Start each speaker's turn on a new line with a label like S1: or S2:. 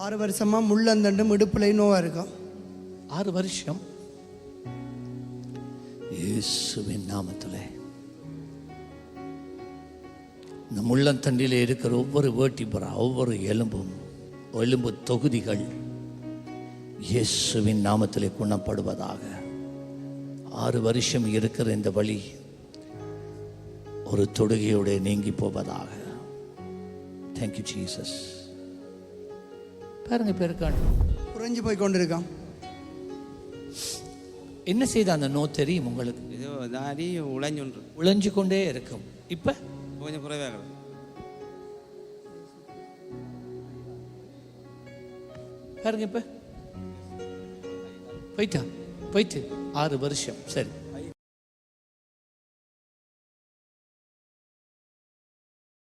S1: 6 வருஷமா முள்ளந்தண்டும் இடுப்புலையும் நோவா இருக்கும்.
S2: 6 வருஷம். இயேசுவின் நாமத்திலே இந்த முள்ளந்தண்டிலே இருக்கிற ஒவ்வொரு வேர்ட்டிபரா, ஒவ்வொரு எலும்பு தொகுதிகள் இயேசுவின் நாமத்திலே குணப்படுவதாக. 6 வருஷம் இருக்கிற இந்த வலி ஒரு தொடுகையோடு நீங்கி போவதாக. Thank you Jesus. பாருங்க பேருக்கான்
S1: குறைஞ்சு போய் கொண்டிருக்கான்.
S2: என்ன செய்த அந்த நோ தெரியும் உங்களுக்கு?
S3: இது தாடி
S2: உழைஞ்சு கொண்டே இருக்கும். இப்ப
S3: கொஞ்சம் குறைவாக
S2: பாருங்க, இப்ப போயிட்டு 6 வருஷம். சரி,